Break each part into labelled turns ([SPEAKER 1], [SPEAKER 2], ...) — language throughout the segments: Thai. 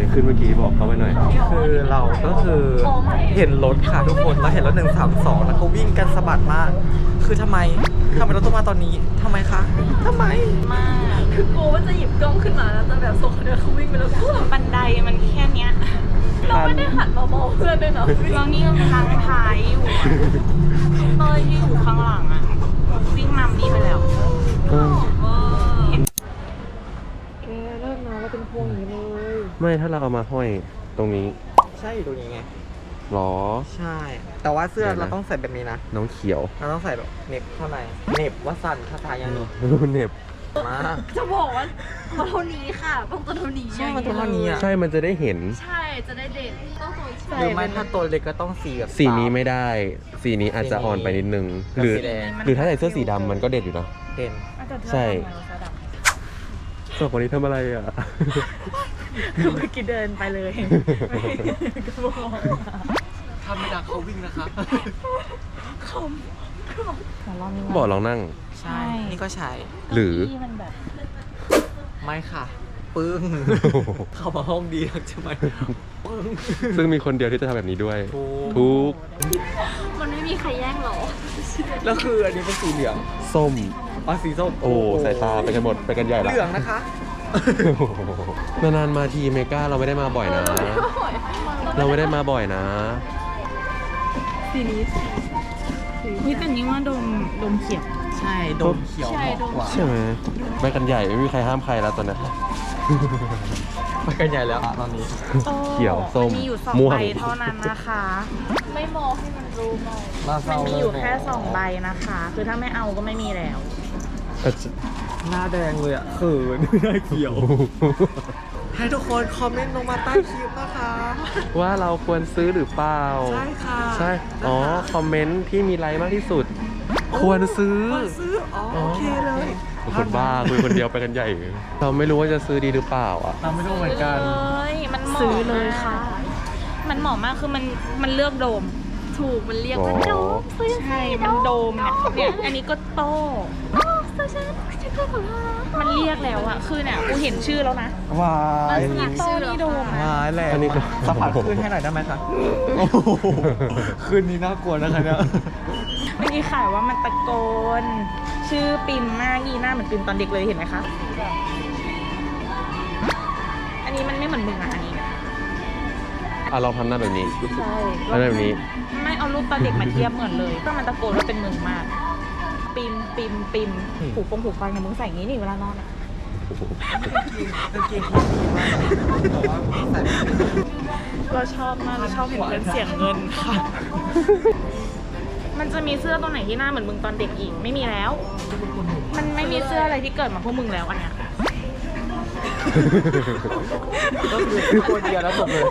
[SPEAKER 1] ขึ้นเมื่อกี้บอกเขาไปหน่อย
[SPEAKER 2] คือเราก็คือเห็นรถค่ะทุกคนเราเห็นรถ132แล้วก็วิ่งกันสะบัดมาก คือทำไมเราต้องมาตอนนี้ทำไมคะทำไม
[SPEAKER 3] มากคือกลัวว่าจะหยิบกล้องขึ้นมาแล้วแต่แบบส่งเดินเขาวิ่งไปแล้วบันไดมันแค่เนี้ยเราไม่ได้หันมามองเพื่อนด้วยนะเรานี่ก็ทางท้ายอยู่เต้ยที่อยู่ข้างหลังอ่ะวิ่งนำนี่ไปแล้ว
[SPEAKER 2] แกเลิกนะเราเป็นพวงอย่างนี้เลย
[SPEAKER 1] ไม่ถ้าเราเอามาห้อยตรงนี้
[SPEAKER 2] ใช่อยู่ตรงนี้ไง
[SPEAKER 1] หรอ
[SPEAKER 2] ใช่ แต่ว่าเสื้อ
[SPEAKER 1] เดี๋ยวนะ
[SPEAKER 2] เราต้องใส่แบบนี้นะ
[SPEAKER 1] น้องเขียว
[SPEAKER 2] เราต้องใส่แบบเหน็บข้างในเหน็บว่าสั่นคาถายังไง
[SPEAKER 1] รู้เน็บ
[SPEAKER 2] มา
[SPEAKER 3] จะบอกว่าตัวเท่านี้ค่ะต้องตัวเท่านี้
[SPEAKER 2] ใช่มันตัวเท่านี้อ่ะ
[SPEAKER 1] ใช่มันจะได้เห็น
[SPEAKER 3] ใช่จะได้เด่นต้องตัวใช่
[SPEAKER 2] หรือไม่ถ้าตัวเล็กก็ต้องสีแบบ
[SPEAKER 1] สีนี้ไม่ได้ สีนี้อาจจะอ่อนไปนิดนึง
[SPEAKER 2] กับ
[SPEAKER 1] หรือ
[SPEAKER 2] สีแดง
[SPEAKER 1] หรือถ้าใส่เสื้อสีดำมันก็เด็ดอยู่นะ
[SPEAKER 2] เด่น
[SPEAKER 1] ใช่สองคนนี้ทำอะไรอ่ะ
[SPEAKER 3] คือเมื่อกี้เดินไปเลยก็บอก
[SPEAKER 2] ทำไม่ได้เขาวิ่งนะคะ
[SPEAKER 1] บอกลองนั่ง
[SPEAKER 2] ใช่ นี่ก็ใช้
[SPEAKER 1] หรือ
[SPEAKER 3] ที่มันแบบ
[SPEAKER 2] ไม่ค่ะ ปึ้ง เข้ามาห้องดีนักใช่ไหมปึ้ง
[SPEAKER 1] ซึ่งมีคนเดียวที่จะทำแบบนี้ด้วย
[SPEAKER 2] ถูก
[SPEAKER 1] ทุก
[SPEAKER 3] มันไม่มีใครแย่งหรอ
[SPEAKER 2] แล้วคืออันนี้เป็นสีเหลือง
[SPEAKER 1] ส้ม
[SPEAKER 2] อ๋อสีส้ม
[SPEAKER 1] โอ้สายตาไปกันหมดไปกันใหญ่ละ
[SPEAKER 2] เหลืองนะคะ
[SPEAKER 1] นานๆมาทีเมกาเราไม่ได้มาบ่อยนะ เราไม่ได้มาบ่อยนะ
[SPEAKER 3] สีนี้นี่แต่นี้ว่าดมเขียว
[SPEAKER 2] ใช่โดมเขียว
[SPEAKER 3] ใช่
[SPEAKER 2] เหมาะกว่า
[SPEAKER 1] ใช่ไหมไปกันใหญ่ไม่มีใครห้ามใครแล้วตอนนี้
[SPEAKER 2] ไปกันใหญ่แล้วตอนนี้
[SPEAKER 1] เขียวส้ม
[SPEAKER 3] มีอยู่2
[SPEAKER 1] ม่วง
[SPEAKER 3] ใบเท่านั้นนะคะ ไม่มองให้มันรู้หน่อย
[SPEAKER 2] มา
[SPEAKER 3] มันมีอยู่แค่2 ใบนะคะ คือถ้าไม่เอาก็ไม่มีแล้ว
[SPEAKER 2] หน้าแดงเลยอ่ะเขินหน้าเขียว ให้ทุกคนคอมเมนต์ลงมาใต้คลิปนะคะ
[SPEAKER 1] ว่าเราควรซื้อหรือเปล่า
[SPEAKER 2] ใช่ค่ะ
[SPEAKER 1] ใช่ อ๋อ คอมเมนต์ที่มีไลค์มากที่สุด ควรซื้อ
[SPEAKER 2] ควรซื้อ อ๋อโอเคเลย
[SPEAKER 1] คนบ้าคุยคนเดียวไปกันใหญ่ เราไม่รู้ว่าจะซื้อดีหรือเปล่าอ่ะ
[SPEAKER 2] เราไม่รู้เหมือนกัน
[SPEAKER 3] เลยมันเหมาะ
[SPEAKER 4] ซื้อเลยค่ะ
[SPEAKER 3] มันเหมาะมากคือมันเลือกโดม ถูกมันเรียกว่า
[SPEAKER 1] อ๋อ
[SPEAKER 3] โดมซื้อ
[SPEAKER 4] ใช่ มันโดมเนี่ย
[SPEAKER 3] อันนี้ก็โต้ซื้อฉันก็ของเรามันเรียกแล้วอะคือเนี่ยกูเห็นชื่อแล้วนะ
[SPEAKER 2] วาย
[SPEAKER 3] นี่โต้นี่โดมนะ
[SPEAKER 2] วายแหละ
[SPEAKER 1] อันนี้ก็
[SPEAKER 2] สัมผัสขึ้นให้หน่อยได้ไหมคะโอ้โหคืนนี้น่ากลัวนะคะเนี่ย
[SPEAKER 3] เมื่อกี้ขายว่ามันตะโกน ชื่อปิมมากอีหน้าเหมือนปิมตอนเด็กเลยเห็นไหมคะ อันนี้มันไม่เหมือนมึงอะอันนี้
[SPEAKER 1] อ่ะเราทำหน้าแบบนี้
[SPEAKER 3] ใช่
[SPEAKER 1] แล้วแบบนี้
[SPEAKER 3] ไม่เอารูปตอนเด็กมาเทียบเหมือนเลย ก็มันตะโกนว่าเป็นมึงมาก ปิมปิมปิมผูกฟงผูกฟังเนี่ยมึงใส่อย่างนี้นี่เวลานอนอะ
[SPEAKER 2] กางเกงเขาดีมากแต่ว่าใส่ไม่ได้
[SPEAKER 3] เราชอบมากเราชอบเห็นเพื่อนเสียงเงินค่ะ มันจะมีเสื้อตัวไหนที่หน้าเหมือนมึงตอนเด็กอีกไม่มีแล้ว มันไม่มีเสื้ออะไรที่เกิดมาพวกมึงแล้วอันเนี้ย
[SPEAKER 2] ก็คือคนเดียวแล้วจบเลย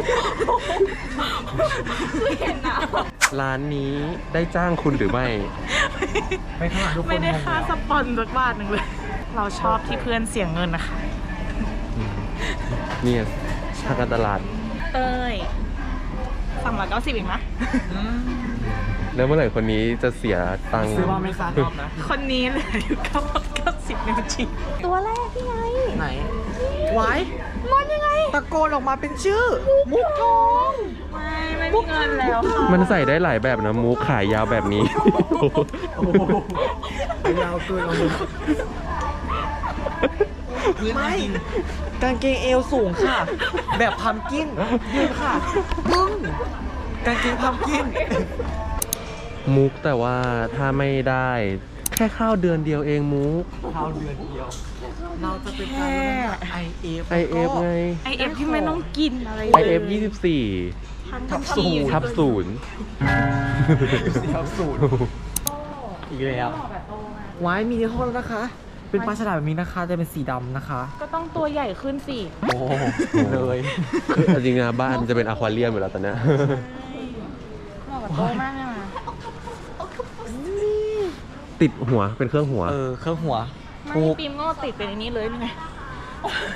[SPEAKER 3] ไม่เห็นนะ
[SPEAKER 1] ร้านนี้ได้จ้างคุณหรือไม่
[SPEAKER 2] ไม่ขนาดทุกคน
[SPEAKER 3] ไม่ได้ค่าสปอนสักบาทหนึ่งเลย เราชอบที่เพื่อนเสียงเงินนะคะ
[SPEAKER 1] เนี่ยทางการตลาด
[SPEAKER 3] เต้ย390อีกนะ
[SPEAKER 1] แล้วเมื่อไหร่คนนี้จะเสียตังค์
[SPEAKER 2] ซื้อว่าไม่ซ้ำรอบนะ
[SPEAKER 3] คนนี้เหลยอยู่990นิ้วจริงตัวแรกพี่ไง
[SPEAKER 2] ไหนไว้
[SPEAKER 3] มันยังไง
[SPEAKER 2] ตะโกนออกมาเป็นชื่อ มุกทอง
[SPEAKER 3] ไม่มีเงินแล้วค่ะ
[SPEAKER 1] มันใส่ได้หลายแบบนะมูขายยาวแบบนี้
[SPEAKER 2] ยาวเกินเอาไม่กางเกงเอวสูงค่ะ แบบพัมกินยืนค่ะปึ้งกางเกงพัมกิน
[SPEAKER 1] มุกแต่ว่าถ้าไม่ได้แค่ข้าวเดือนเดียวเองมุก
[SPEAKER 2] เท้าเดือนเดียว เราจะเป็นการ IF
[SPEAKER 1] IF ไง
[SPEAKER 3] IF ที่ไม่ต้องกินอะไร
[SPEAKER 1] IF 24
[SPEAKER 3] ทับศูนย์
[SPEAKER 1] ทับศูนย์
[SPEAKER 2] ทับสูตรอีกแล้วไว้มีในห้องแล้วนะคะ เป็นปลาฉลามแบบนี้นะคะ จะเป็นสีดำนะคะ
[SPEAKER 3] ก็ต้องตัวใหญ่ขึ้นสิ
[SPEAKER 2] โอ้เลย
[SPEAKER 1] คือจริงๆนะบ้านจะเป็นอควาเรียมอยู่แล้วตอนเนี้ย
[SPEAKER 3] เหมาะกับโตมากเลยนะ
[SPEAKER 1] ติดหัวเป็นเครื่องหัว
[SPEAKER 2] เครื่องหัว
[SPEAKER 3] ไม่
[SPEAKER 2] ถูก
[SPEAKER 3] ปิมก็ติดเป็นอันนี้เลยนี่ไง
[SPEAKER 1] โอ้โห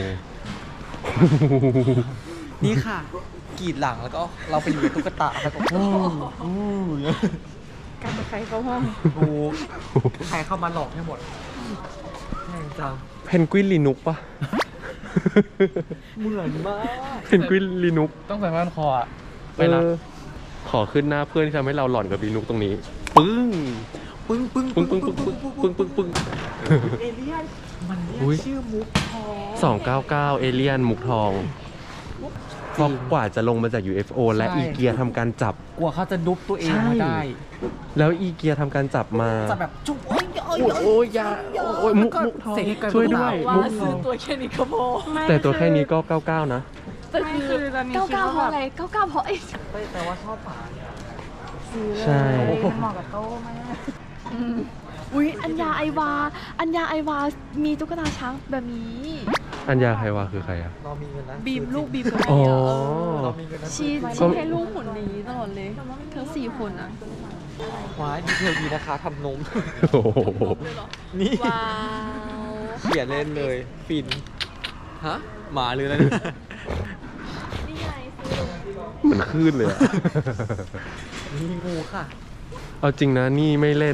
[SPEAKER 2] นี่ค่ะกรีดหลังแล้วก็เราไปอยู่ในตุ๊กตาแล้วก็อู้
[SPEAKER 3] การไปใครเข้าห้อง
[SPEAKER 2] ถูกใครเข้ามาหลอกให้หมดแม่งจัง
[SPEAKER 1] เพนกวินลีนุกปะ
[SPEAKER 2] เหมือนมาก
[SPEAKER 1] เพนกวินลีนุก
[SPEAKER 2] ต้องใส่ผ้าพันคออะไปละ
[SPEAKER 1] ขอขึ้นหน้าเพื่อนที่ทำให้เราหลอนกับลีนุกตรงนี้ ปึ้ง
[SPEAKER 2] ปึ้งปึ้ง
[SPEAKER 1] ปึ้งปึ้งปึ้งปึ้งปึ้งปึ้งปึ้ง
[SPEAKER 2] เอเลี่ยนมันเรีย
[SPEAKER 1] อุ๊ย
[SPEAKER 2] กชื่อมุกทอง
[SPEAKER 1] 299เอเลียนมุกทองเพราะกว่าจะลงมาจาก UFO และ
[SPEAKER 2] ใช่
[SPEAKER 1] อีเกียทำการจับ
[SPEAKER 2] กลัวเขาจะดุบตัวเอง
[SPEAKER 1] ใช่
[SPEAKER 2] มาได้
[SPEAKER 1] แล้วอีเกียทำการจับมา
[SPEAKER 2] จะแบบจุ๊บโอ้ย
[SPEAKER 1] โอ้ยยาโอ้ยมุกทอง
[SPEAKER 2] เสียงให้ไกล
[SPEAKER 1] ช่วยด้วย
[SPEAKER 3] ว่า
[SPEAKER 1] มุกท
[SPEAKER 3] ซื้
[SPEAKER 1] อ
[SPEAKER 3] อง ตัวแค่นี้ก็พอ
[SPEAKER 1] แต่ตัวแค่นี้ก็ 99 นะ
[SPEAKER 3] แต่คือเก้าเก้าเพราะอะไรเก้าเก้าเพราะไอ้
[SPEAKER 2] แต่ว่าชอบฝาเนี่ย
[SPEAKER 1] ใช่
[SPEAKER 4] มันเหมาะกับโต๊ะมาก
[SPEAKER 3] อุ๊ยอัญญาไอวา อัญญาไอวา มีตุ๊กตาช้างแบบนี้
[SPEAKER 1] อัญญาใครวะคือใครอะ
[SPEAKER 2] เรามีเงินนะ
[SPEAKER 3] บีมลูกบีม
[SPEAKER 1] อ๋อ
[SPEAKER 2] เรามีเงินนะ
[SPEAKER 3] ชีให้ลูกหุ่นนี้ตลอดเลยทั้ง4 คนอะ
[SPEAKER 2] ว้ายดีเทลดีนะคะทำนม
[SPEAKER 1] โอ้โห
[SPEAKER 2] นี่
[SPEAKER 3] ว้าว
[SPEAKER 2] เขียนเล่นเลย ฟิน ฮะ หมาหรืออะไรเนี่ย
[SPEAKER 3] นี่ไงซื้อ
[SPEAKER 1] เหมือนคลื่นเลยอะ
[SPEAKER 2] มีงูค่ะ
[SPEAKER 1] เอาจริงนะนี่ไม่เล่น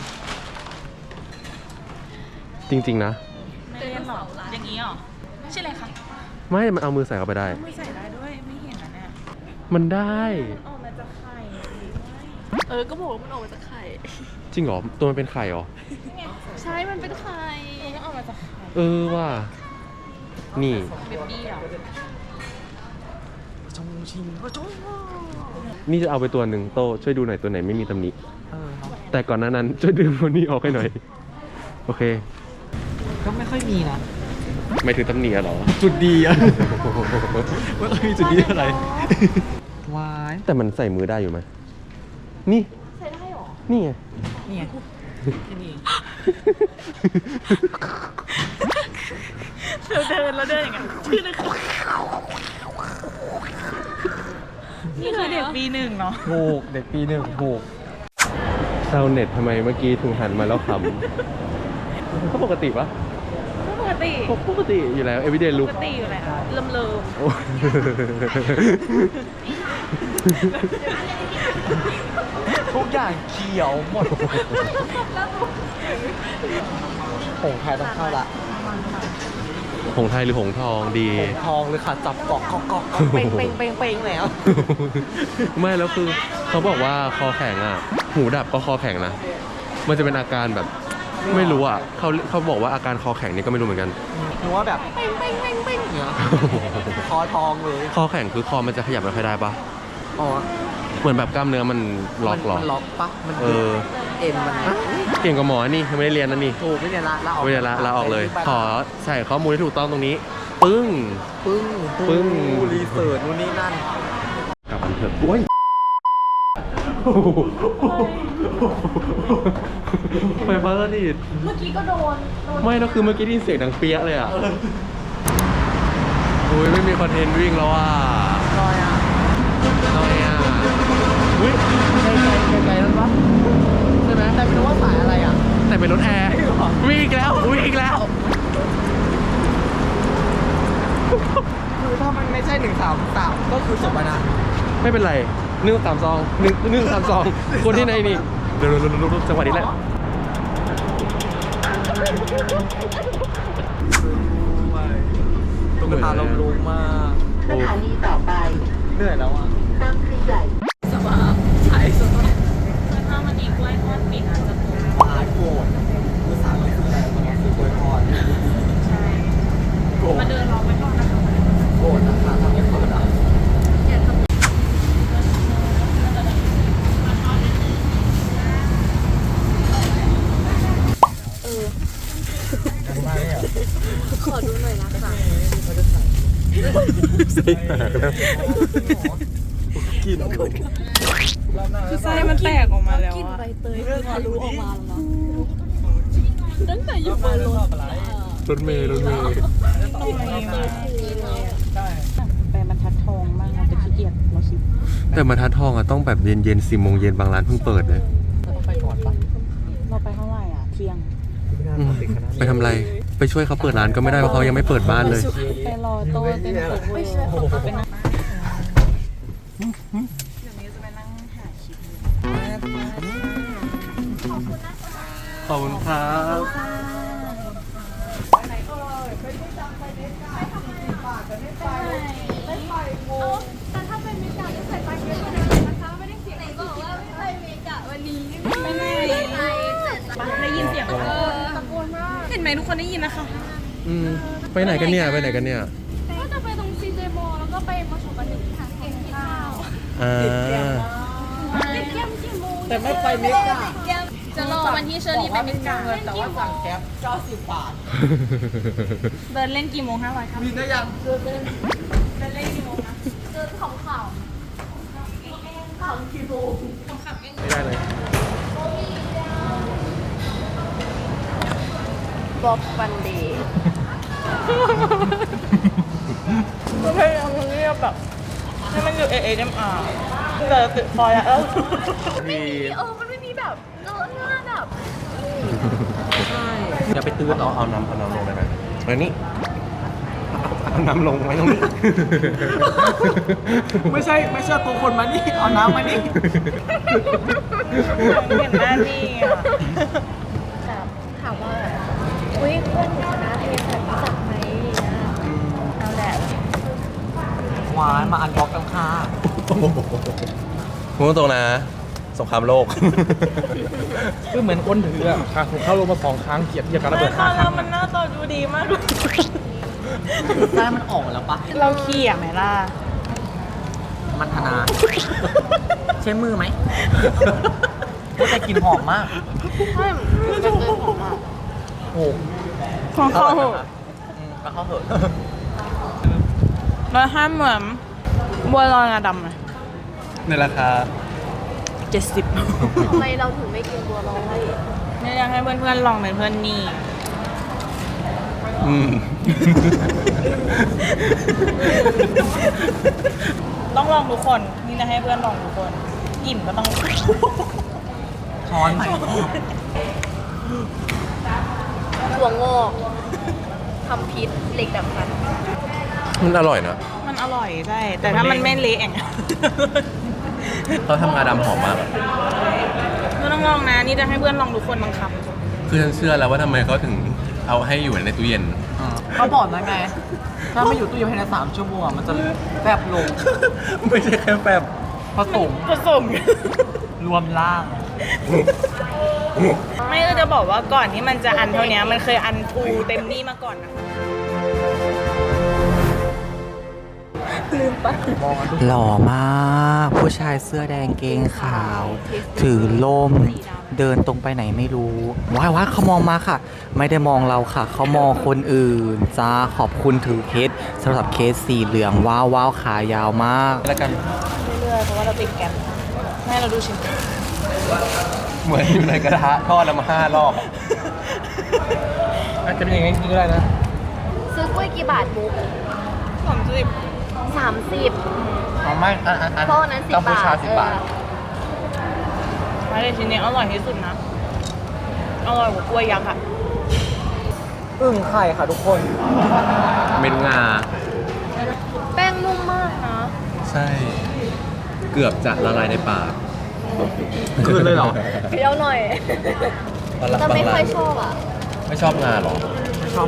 [SPEAKER 1] จริง ๆ นะ
[SPEAKER 4] ไม่เล่นหรอกอย่างนี้หรอใช่เลยค่ะ
[SPEAKER 1] ไม่ มันเอามือใส่เข้าไปได้
[SPEAKER 4] ไม่ใส่ได้ด้วยไม่เห็นนะเนี่ย
[SPEAKER 1] มันได้
[SPEAKER 4] ออกมาจากไข่
[SPEAKER 3] ก็บอกว่ามันออกมาจากไข่
[SPEAKER 1] จริงเหรอ ตัวมันเป็นไข่เหรอ
[SPEAKER 3] ใช่ มันเป็นไข่
[SPEAKER 4] ก็ออกมาจากไข่
[SPEAKER 1] เออว่ะนี่
[SPEAKER 4] เบบี้อ่ะ
[SPEAKER 2] ชงชิงก็ชง
[SPEAKER 1] นี่จะเอาไปตัวหนึ่งโตช่วยดูหน่อยตัวไหนไม่มีตำหนิ
[SPEAKER 2] เออเนอะ
[SPEAKER 1] แต่ก่อนหน้านั้นช่วยดึงตัวนี้ออกให้หน่อย โอเค
[SPEAKER 2] ก็ไม่ค่อยมีนะ
[SPEAKER 1] ไม่ถึงตำหนิอะเหรอ
[SPEAKER 2] จุดดีอะไม่ค่อยมีจุดดีอะไรวาย
[SPEAKER 1] แต่มันใส่มือได้อยู่ไหมนี่
[SPEAKER 3] ใส่ได้หรอ
[SPEAKER 1] นี่ไง
[SPEAKER 2] นี่ไงที่นี่
[SPEAKER 4] เราเดินอย่างเงี้ยชื่อเลยค่ะนี่คือเด็กปี 1เนาะ
[SPEAKER 2] ถูกเด็กปี 1ถูก
[SPEAKER 1] ชาวเน็ตทำไมเมื่อกี้ถึงหันมาแล้วขำก็ปกติปะ
[SPEAKER 4] ปกติ
[SPEAKER 1] ปกติอยู่แล้ว everyday
[SPEAKER 4] ป
[SPEAKER 1] look
[SPEAKER 4] กติอยู่แล้วเริ่ม
[SPEAKER 1] โอ้
[SPEAKER 2] ทุกอย่างเขียวหมดผงไทยต้องเข้าละ
[SPEAKER 1] หงส์ไทยหรือหงส์ทองดี
[SPEAKER 2] ผงทองเลยค่ะ จับเกาะเกาะเกาะเป่งเป่งเป่งเป่งแล้ว
[SPEAKER 1] ไม่แล้วคือเขาบอกว่าคอแข็งอ่ะ หูดับก็คอแข็งนะ มันจะเป็นอาการแบบไม่รู้อ่ะเขาบอกว่าอาการคอแข็งนี่ก็ไม่รู้เหมือนกัน
[SPEAKER 2] หนูว่าแบบเป่งเป่งเป่งเป่งเนี่ยคอทองเลย
[SPEAKER 1] คอแข็งคือคอมันจะขยับไม่ค่อยได้ปะ
[SPEAKER 2] อ๋อ
[SPEAKER 1] เหมือนแบบกล้ามเนื้อมันล็อกหรอ
[SPEAKER 2] มันล็อกปะมัน
[SPEAKER 1] เออ
[SPEAKER 2] เอ็มมัน
[SPEAKER 1] เก่งกว่าหมอนี่ยังไม่ได้เรียนนะนี่
[SPEAKER 2] ถูกไม่เนี่ยละออก
[SPEAKER 1] ไม่ได้ละลาออกเลย ขอใส่ข้อมูลที่ถูกต้องตรงนี้ ปึ้ง
[SPEAKER 2] ปึ้ง
[SPEAKER 1] ปึ้ง
[SPEAKER 2] รีเสิร์ชนู่นนี่นั่น
[SPEAKER 1] กลับมันเถอะโอ้ยไฟฟ้าสถิต
[SPEAKER 3] เมื่อกี้ก็โดน
[SPEAKER 1] ไม่แล้วคือเมื่อกี้ได้ยินเสียงดังเปี้ยะเลยอ่ะโอ้ยไม่มีคอนเทนต์วิ่งแล้วอ่ะ
[SPEAKER 2] ลอยอ่ะ
[SPEAKER 1] น้อยอ่ะอุ้ย
[SPEAKER 2] ไกลๆนั่นปะ
[SPEAKER 1] ใช่ไหม
[SPEAKER 2] แต่ไม่รู้ว่าสายอะไรอ่ะ
[SPEAKER 1] แต่เป็นรถแอร์วิ่งอีกแล้ววิ่งอีกแล้ว
[SPEAKER 2] คือถ้ามันไม่ใช่133ก็คือจบไปนะ
[SPEAKER 1] ไม่เป็นไร132คนที่ไหนนี่เร็วๆๆๆจังหวะนี้แหละ
[SPEAKER 2] ตุ๊กตาลมลุกมาก
[SPEAKER 5] สถานีต่อไป
[SPEAKER 2] เหนื่อยแล้วอ่ะ
[SPEAKER 5] บางพลีใหญ่
[SPEAKER 3] สบายใช่สบาย
[SPEAKER 4] คือถ้ามันอีกล้วยทอดปิดอาจจะโกง
[SPEAKER 2] หายโกรธคือสามไม่คืออะไรมันคือกล้วยทอด
[SPEAKER 4] ใช่
[SPEAKER 2] โกรธ
[SPEAKER 4] มาเดินรอไว้ก่อนนะคะ
[SPEAKER 2] โกรธนะคะทำให้เปิดอ่ะไม่อ่ะ
[SPEAKER 3] ขอดูหน่อยนะคะ
[SPEAKER 1] ใส่แตกแล้ว
[SPEAKER 2] กิน
[SPEAKER 4] คือไส้มันแตกออกมาแล้ว
[SPEAKER 3] กิน
[SPEAKER 4] อะ
[SPEAKER 3] ใบเตยคือทะลุออกมาแล้วนะตั้งแต่อยู่บนรถ
[SPEAKER 1] รถเมล์
[SPEAKER 4] ตรงนี้มาไปบรรทัดทองมากเราจะขี้เกียจเราคิด
[SPEAKER 1] แต่มาทัดทองอะต้องแบบเย็นๆ10 โมงเย็นบางร้านเพิ่งเปิดเลย
[SPEAKER 2] ต้องไปก่อนปะ
[SPEAKER 4] เราไปเท่าไหร่อ่ะเที่ยง
[SPEAKER 1] ไปทำอะไร ไปช่วยเขาเปิดร้านก็ไม่ได้เพราะเขายังไม่เปิดบ้านเลย
[SPEAKER 4] ไปรอโต๊ะเต็มโต๊ะไม่ใช่ไปนั่งเดี๋ยวนี้จะไปนั่งหาคลิป
[SPEAKER 1] ขอบคุณครับ
[SPEAKER 3] แต่ถ้าเป็นเมกะจะใส่ตังค์เยอะกว่านั้นนะคะไม่ได้เสียงบอกว่าไม่ไปเมกะวันนี้ไม่ไปได้ยินเสียงตะโกนมากเห็นไหมทุกคนได้ยินนะคะ
[SPEAKER 1] ไปไหนกันเนี่ยไปไหนกันเนี่ย
[SPEAKER 3] ก็จะไปตรงซีเจโมแล้วก็ไปมาชมกันหนึ่งทางเก่งข้าว เล่นเกมกี่โมง
[SPEAKER 2] แต่ไม่ไปเมกะ
[SPEAKER 3] จะรอวันที่เชอรี่ไปเมกะ
[SPEAKER 2] แต่ว่าสั่งแก๊ป90 บาท
[SPEAKER 3] เดินเล่นกี่โมง500ครับ
[SPEAKER 2] มีได้ยัง
[SPEAKER 3] เดินเล่นกี่โมงนะเดินของข่าวของกี่โมง
[SPEAKER 1] ไม่ได้เลย
[SPEAKER 3] บอกวันดีพยายามเรียบแบบให้มันอยู่ ASMR แต่ติดฟอยล์แล้วมันไม่มีแบบหน้าแบบ
[SPEAKER 1] อย่าไปตื้อเอาน้ำลงได้ไหมอันนี้เอาน้ำลงไว้ตรงนี้
[SPEAKER 2] ไม่ใช่ตัวคนมานี่เอาน้ำมานี่
[SPEAKER 3] เห็นหน้านี่อ่ะถามว่าอุ้ยเพื่อนหนูคณะเทศรู้จักไหมเอาแหละ
[SPEAKER 2] หวานมาอันบล็อกกันค่ะ
[SPEAKER 1] พูดตรงนะสงครามโลก
[SPEAKER 2] ก็เหมือนคนถืออ่ะเข้าลงมา2 ครั้งเกียรติยาการระเบิด5 ครั้ง
[SPEAKER 3] มันหน้าตาดูดีมากเลย
[SPEAKER 2] ได้มันออกแล้วปะ
[SPEAKER 3] เราขี้อ่ะไหมล่ะ
[SPEAKER 2] มันธนา ใช้มือไหมแต่กลิ่นหอมมาก
[SPEAKER 3] ใช่มันจะเจอของอ่ะ
[SPEAKER 2] โอ้
[SPEAKER 3] ของเขาเหอะ
[SPEAKER 2] ก็เข้าเหอะ
[SPEAKER 3] แล้วห้ามเหมือนบัวลอยงาดำเลย
[SPEAKER 1] ในราคา
[SPEAKER 3] 70
[SPEAKER 4] ทำไมเราถึงไม่กินบัวลอย
[SPEAKER 3] เนี่ยอยากให้เพื่อนๆลองเป็นเพื่อนนี่ ต้องลองทุกคน นี่นะให้เพื่อนลองทุกคนอิ่มก็ต้อง
[SPEAKER 2] ช้อนใหม่
[SPEAKER 4] ถั่วงอกทำพิษเหล็กดับฟัน
[SPEAKER 1] มันอร่อยนะ
[SPEAKER 3] มันอร่อยใช่ แต่ถ้ามันไม่เละอย่างเงี้ย
[SPEAKER 1] เขาทำงาดำหอมมากอะ
[SPEAKER 3] ก็ต้องลองนะ นี่จะให้เพื่อนลองทุกคนบางค
[SPEAKER 1] คือฉันเชื่อแล้วว่าทำไมเขาถึงเอาให้อยู่ในตู้เย็น
[SPEAKER 2] เขาบอกนะไง ถ้าไม่อยู่ตู้เย็นภายใน3 ชั่วโมงมันจะแฟบลง
[SPEAKER 1] ไม่ใช่แค่แบบ
[SPEAKER 2] ผสม
[SPEAKER 3] ำผสม
[SPEAKER 2] รวมร่าง
[SPEAKER 3] ไม่ก็จะบอกว่าก่อนที่มันจะอันเท่านี้มันเคยอันฟูเต็มนี่มาก่อนนะคะ
[SPEAKER 2] หล่อมากผู้ชายเสื้อแดงเกงขาว ถือล่ม เดินตรงไปไหนไม่รู้ว้ายเขามองมาค่ะ ไม่ได้มองเราค่ะ เขามองคนอื่นจ้าขอบคุณถือเคสสำหรับเคสสีเหลืองว้าวขายาวมาก
[SPEAKER 1] แล้วกัน
[SPEAKER 3] เรื่อยๆเพราะว่าเราติดแกมให้เราดูชิม
[SPEAKER 1] เหมือนอยู่ในกระทะทอดแล้วมา5 รอบ
[SPEAKER 2] อาจจะเป็นอย่างนี้ก็ได้นะ
[SPEAKER 4] ซื้อกล้วยกี่บาทมุก
[SPEAKER 3] 30
[SPEAKER 4] 30
[SPEAKER 2] เอาไม่อัน
[SPEAKER 4] เพราะอันนั้น10
[SPEAKER 2] กัมพูชา
[SPEAKER 4] บาท
[SPEAKER 2] 10 บาท
[SPEAKER 3] ไม่ได้ชิ้นนี้อร่อยที่สุดนะ อร่อยกว่ากล้วยยักษ์อะ
[SPEAKER 2] อึ่งไข่ค่ะทุกคน
[SPEAKER 1] เม็ดงา
[SPEAKER 4] แป้งนุ่มมากนะ
[SPEAKER 1] ใช่ เกือบจะละลายในปาก
[SPEAKER 2] คืนเลยเหรอ
[SPEAKER 4] เคี้ยวหน่อย แต่ไม่ค่อยชอบอ่ะ
[SPEAKER 1] ไม่ชอบงาหรอ
[SPEAKER 4] ไม่ชอบ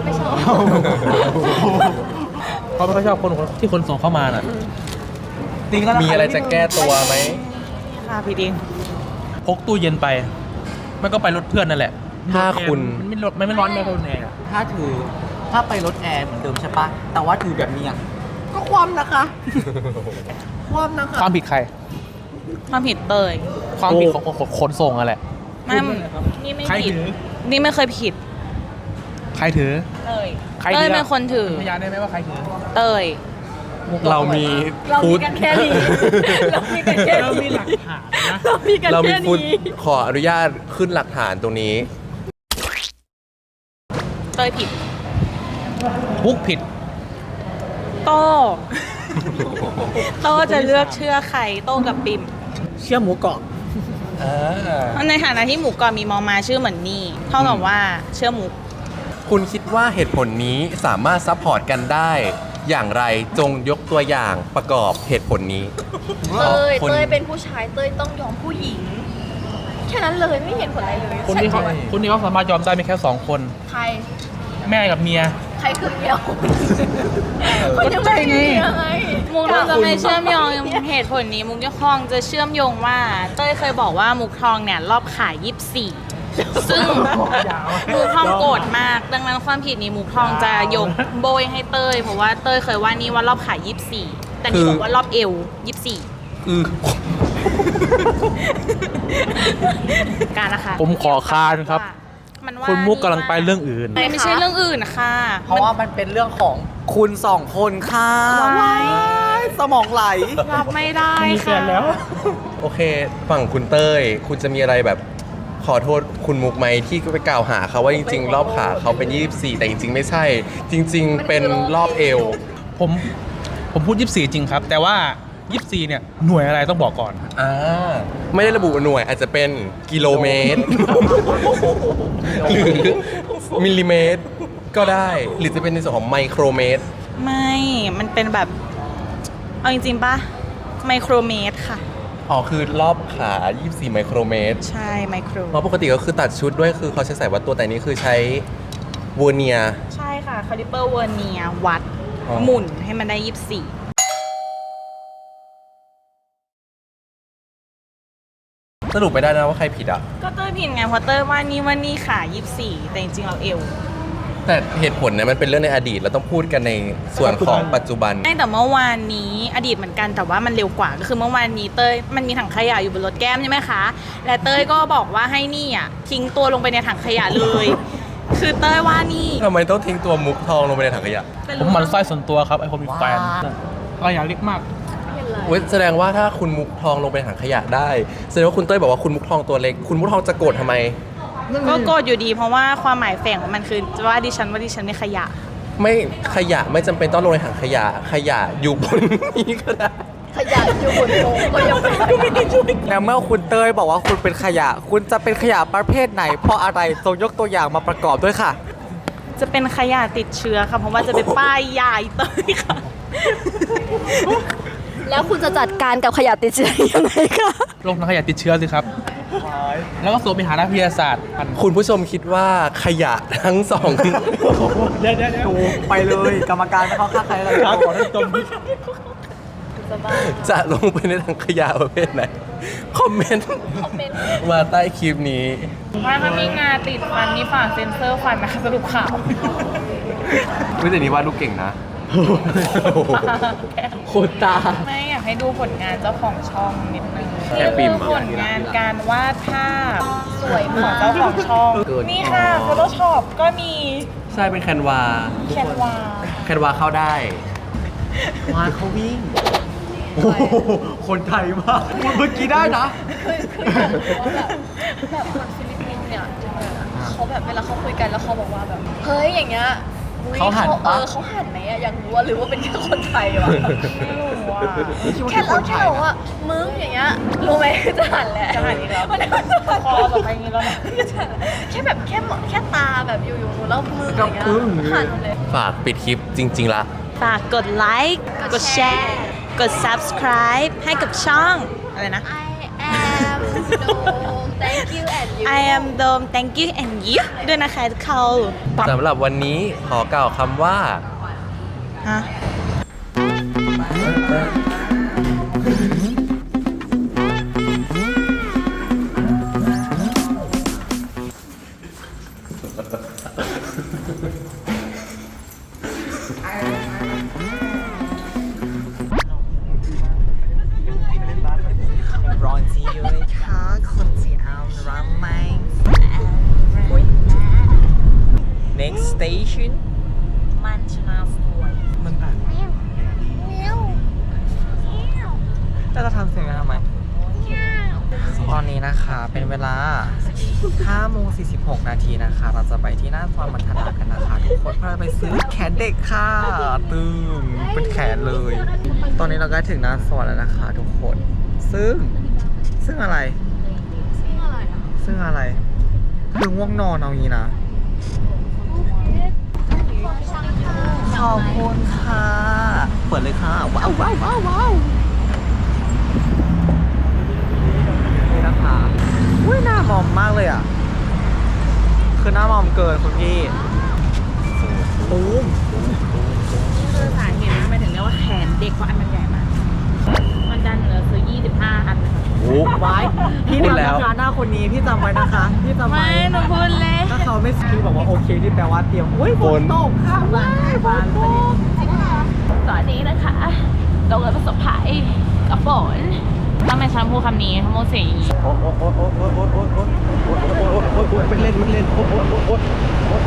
[SPEAKER 2] เขาไม่ค่อยชอบคนที่คนส่งเข้ามาน่ะจริงแล้ว
[SPEAKER 1] มีอะไรจะแก้ตัวไหม
[SPEAKER 3] ค่ะพี่ดิง
[SPEAKER 2] พกตู้เย็นไป มันก็ไปรถเพื่อนนั่นแหละ
[SPEAKER 1] ถ้าคุณ
[SPEAKER 2] มันไม่ร้อนไม่ร้อนแอร์ถ้าไปรถแอร์เหมือนเดิมใช่ปะแต่ว่าถือแบบนี้ก็ความนะคะ ความนะคะความผิดใคร
[SPEAKER 3] ความผิดเตย
[SPEAKER 2] ความผิดของขนส่งอะแหละ
[SPEAKER 3] ไม่นี่ไม่
[SPEAKER 2] ใคร
[SPEAKER 3] ผิด
[SPEAKER 2] ถือ
[SPEAKER 3] นี่ไม่เคยผิด
[SPEAKER 2] ใครถือ
[SPEAKER 3] เตย
[SPEAKER 2] ใคร
[SPEAKER 3] เต
[SPEAKER 2] ถื
[SPEAKER 3] ย
[SPEAKER 2] อ
[SPEAKER 3] เป็นคนถือ
[SPEAKER 2] พยานได้ไหมว่าใครถือ
[SPEAKER 3] เตย
[SPEAKER 1] เรามี
[SPEAKER 3] เรามี
[SPEAKER 1] ฟู้ด
[SPEAKER 3] กันแค่นี้ เรามีกันแค่
[SPEAKER 2] เรามี
[SPEAKER 3] นี้
[SPEAKER 2] หลักฐานนะ
[SPEAKER 3] เรามีกัน
[SPEAKER 1] เรามี
[SPEAKER 3] แค่
[SPEAKER 1] ฟู้ด
[SPEAKER 3] นี้
[SPEAKER 1] ขออนุญาตขึ้นหลักฐานตรงนี้
[SPEAKER 3] เตยผิด
[SPEAKER 2] พุกผิด
[SPEAKER 3] โต้โต้จะเลือกเชื่อใครโต้กับปิม
[SPEAKER 2] เชื่อหมูกรอบ
[SPEAKER 3] ในฐานะที่หมูกรอบมีมอมาชื่อเหมือนนี่เท่ากับว่าเชื่อหมู
[SPEAKER 1] คุณคิดว่าเหตุผลนี้สามารถซัพพอร์ตกันได้ อย่างไรจงยกตัวอย่างประกอบเหตุผลนี้
[SPEAKER 4] เต้ย
[SPEAKER 1] คน
[SPEAKER 4] เต้ยเป็นผู้ชายเต้ยต้องยอมผู้หญิง แค่นั้นเลยไม่เห็นผลอะไรเลย
[SPEAKER 2] คนที่เขาสามารถยอมได้มีแค่2 คน
[SPEAKER 4] ใคร
[SPEAKER 2] แม่กับเมีย
[SPEAKER 4] ใ
[SPEAKER 3] ใครคือเมียวคนยังไม่มีไง
[SPEAKER 4] มุกจะไม่เชื่อมโยงเหตุผลนี้มุกจะคลองจะเชื่อมโยงว่าเต้ยเคยบอกว่ามุกทองเนี่ยรอบขาย24ซึ่งมุกทองโกรธมากดังนั้นความผิดนี้มุกทองจะยกโบยให้เต้ยเพราะว่าเต้ยเคยว่านี่ว่ารอบขาย24แต่นี่บอกว่ารอบเอว24การนะคะ
[SPEAKER 6] ผมขอค้านครับ
[SPEAKER 4] มันว่า
[SPEAKER 6] คุณมุกกำลังไปเรื่องอื่น
[SPEAKER 4] ไม่ใช่เรื่องอื่นนะคะ
[SPEAKER 2] เพราะว่ามันเป็นเรื่องของคุณสองคนค่ะ
[SPEAKER 4] ว้าย
[SPEAKER 2] สมองไหล
[SPEAKER 4] รับไม่ได้ค่ะ
[SPEAKER 1] โอเค ฝั่งคุณเต้ย คุณจะมีอะไรแบบขอโทษคุณมุกไหมที่ไปกล่าวหาเขาว่าจริงๆ รอบขาเขาเป็น 24 แต่จริงๆ ไม่ใช่ จริง ๆ เป็นรอบเอว
[SPEAKER 6] ผมพูด 24 จริงครับ แต่ว่า 24 เนี่ย หน่วยอะไรต้องบอกก่อน
[SPEAKER 1] ไม่ได้ระบุหน่วยอาจจะเป็นกิโลเมตร หรือมิลลิเมตรก็ได้ หรือจะเป็นในส่วนของไมโครเมตร
[SPEAKER 4] ไม่ มันเป็นแบบ เอาจริงๆป่ะ ไมโครเมตรค่ะ
[SPEAKER 1] อ๋อ คือรอบขา 24 ไมโครเมตร
[SPEAKER 4] ใช่ ไมโคร
[SPEAKER 1] เพราะปกติก็คือตัดชุดด้วยคือเขาใช้สายวัดตัวแต่นี้คือใช้เวอร์เนียร์
[SPEAKER 4] ใช่ค่ะ คาลิเปอร์เวอร์เนียวัด
[SPEAKER 1] อ๋อ
[SPEAKER 4] หมุนให้มันได้ 24
[SPEAKER 1] สรุปไม่ได้นะว่าใครผิดอ่ะ
[SPEAKER 4] ก็เต้ยผิดไง เพราะเต้ยว่านี่ค่ะ 24 แต่จริงๆเราเอว
[SPEAKER 1] แต่เหตุผลเนี่ยมันเป็นเรื่องในอดีตเราต้องพูดกันในส่วนของปัจจุบัน
[SPEAKER 4] แต่เมื่อวานนี้อดีตเหมือนกันแต่ว่ามันเร็วกว่าก็คือเมื่อวานนี้เต้ยมันมีถังขยะอยู่บนรถแก้มใช่ไหมคะและเต้ยก็บอกว่าให้นี่อ่ะทิ้งตัวลงไปในถังขยะเลย คือเต้ยว่านี่
[SPEAKER 1] ทำไมต้องทิ้งตัวมุกทองลงไปในถังขยะ
[SPEAKER 6] ผมหมันไส้ส่วนตัวครับ ไอ้คนมีแฟนก็อย่าเล็กมาก
[SPEAKER 1] แสดงว่าถ้าคุณมุกทองลงไปในถังขยะได้แสดงว่าคุณเต้ยบอกว่าคุณมุกทองตัวเล็ก คุณมุกทองจะโกรธทำไม
[SPEAKER 4] ก็โกรธอยู่ดีเพราะว่าความหมายแฝงของมันคือว่าดิฉันไม่ขยะ
[SPEAKER 1] ไม่ขยะไม่จำเป็นต้องลงในถังขยะ ขยะอยู่บนนี้ก็ได้
[SPEAKER 3] ขยันอยู่บนโต๊ะก็ยังเป็นขยะ
[SPEAKER 2] แล้วเมื่อคุณเต้ยบอกว่าคุณเป็นขยะ คุณจะเป็นขยะประเภทไหน เพราะอะไรทรงยกตัวอย่างมาประกอบด้วยค่ะ
[SPEAKER 4] จะเป็นขยะติดเชื้อค่ะเพราะว่าจะเป็นป้ายยายเต้ยค่ะ
[SPEAKER 3] แล้วคุณจะจัดการกับขยะติดเชื้อยังไงคะ
[SPEAKER 6] โรคนักขยะติดเชื้อสิครับ แล้วก็ส่งไปหานักวิทยาศาสตร์
[SPEAKER 1] คุณผู้ชมคิดว่าขยะทั้งสอง
[SPEAKER 6] เดี๋ยว
[SPEAKER 2] ไปเลยกรรมการไม่เข้าข้างใครเลย
[SPEAKER 6] ครับขอให้ตรงนี้
[SPEAKER 1] จะลงไปในถังขยะประเภทไหน คอมเมนต์มาใต้คลิปนี้
[SPEAKER 4] ว่าถ้ามีงาติดฟันนี่ฝากเซ็นเซอร์ฟันนะคะสรุปข่าว
[SPEAKER 1] แต่นี้วาดรูปเก่งนะ
[SPEAKER 2] โคตรตา
[SPEAKER 4] ไม่อยากให้ดูผลงานเจ้าของช่องนิดนึง
[SPEAKER 1] แค่ปิ่ม
[SPEAKER 4] ผลงานการวาดภาพสวยของเจ้าของช่อง นี่ค่ะ Photoshop ก็มี
[SPEAKER 1] ใช่เป็นแคนวา
[SPEAKER 4] แคนวา
[SPEAKER 1] แคนวาเข้าได้
[SPEAKER 2] วานเขาวิ่ง คนไทยมากเมื่อกี้ได้นะ
[SPEAKER 3] แบบคนฟิลิปปินส์เนี่ยเขาแบบเวลาเขาคุยกันแล้วเขาบอกว่าแบบเฮ้ยอย่างเงี้ยอุ๊ย
[SPEAKER 2] เขาหันปะ
[SPEAKER 3] เขาหันไหมอะอยากรู้ว่าหรือว่าเป็นแค่คนไทยวะ
[SPEAKER 4] ไม่รู้ว่า
[SPEAKER 3] แค่เราแค่บอกว่ามึงอย่างเงี้ยรู้ไหมจะหันแหละ
[SPEAKER 4] จะหันอีกแล้ว
[SPEAKER 3] มันก็จะหัน
[SPEAKER 4] คอแบบไปอย่างนี้แล้วนะ
[SPEAKER 3] แค่แบบแค่ตาแบบอยู่ๆแล้วมืออย่างเงี้ยหันเลย
[SPEAKER 1] ฝากปิดคลิปจริง ๆ ละ
[SPEAKER 4] ฝากกดไลค์ กดแชร์ กด subscribe ให้กับช่อง อะไรนะ
[SPEAKER 3] I am no thank you and you
[SPEAKER 4] I am Dome thank you and you ด้วยนะคะทุกคน
[SPEAKER 1] สำหรับวันนี้ขอกล่าวคำว่า
[SPEAKER 4] ฮะมันชนะสวย
[SPEAKER 2] จะทำเสียงกันทำไม ตอนนี้นะคะเป็นเวลา5โมง46นาทีนะคะ เราจะไปที่หน้าซอยมัทนากันนะคะ ทุกคนเพื่อไปซื้อแขนเด็กค่ะตึงเป็นแขนเลย ตอนนี้เราก็ถึงหน้าซอยแล้วนะคะ ทุกคนซึ่งอะไร ซึ่งอะไรคือง่วงนอนเอางี้นะ ขอบคุณค่ะ เปิดเลยค่ะ ว้าวว้าวว้าวว้าวนี่นะคะอุ้ยหน้ามอมมากเลยอ่ะ คือหน้ามอมเกินคุณพี่ตูม
[SPEAKER 4] นี่คือสาเหตุนะหมายถึงเรียกว่าแขนเด็กเพราะอันมันใหญ่มาก มันดันเหลือซื้อ25 อันนะคะ
[SPEAKER 1] โอ้
[SPEAKER 2] ไว้พี่
[SPEAKER 1] พูด
[SPEAKER 2] จำ
[SPEAKER 1] แล้ว
[SPEAKER 2] นะคะหน้าคนนี้พี่จำไว้นะคะ พี่จำ
[SPEAKER 4] ไม่
[SPEAKER 2] ไว้
[SPEAKER 4] หนูพูดเลย
[SPEAKER 2] ถ้าเขาไม่คือบอกว่าโอเคที่แปลว่าเตรียมอุ้ยฝนตกค่ะบ้านบ้าน
[SPEAKER 4] ตอนนี้นะคะเราเลยประสบภัยกับฝนทำไมฉันพูดคำนี้ทั้งหมดเสียงอย่างนี้
[SPEAKER 1] โอ้โอ้โอ้โอ้โอ้โอ้โอ้โอ้โอ้โอ้โอ้โอ้ไม่เล่นไม่เล่นโอ้โอ้โอ้โอ้โอ้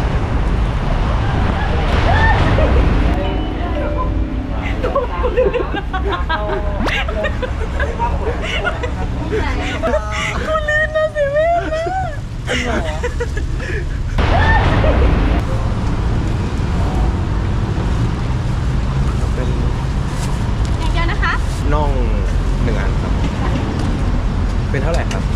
[SPEAKER 1] เป็น
[SPEAKER 3] อย่างเดียวนะคะ
[SPEAKER 1] น่อง1 อันครับ เป็นเท่าไหร่ครับ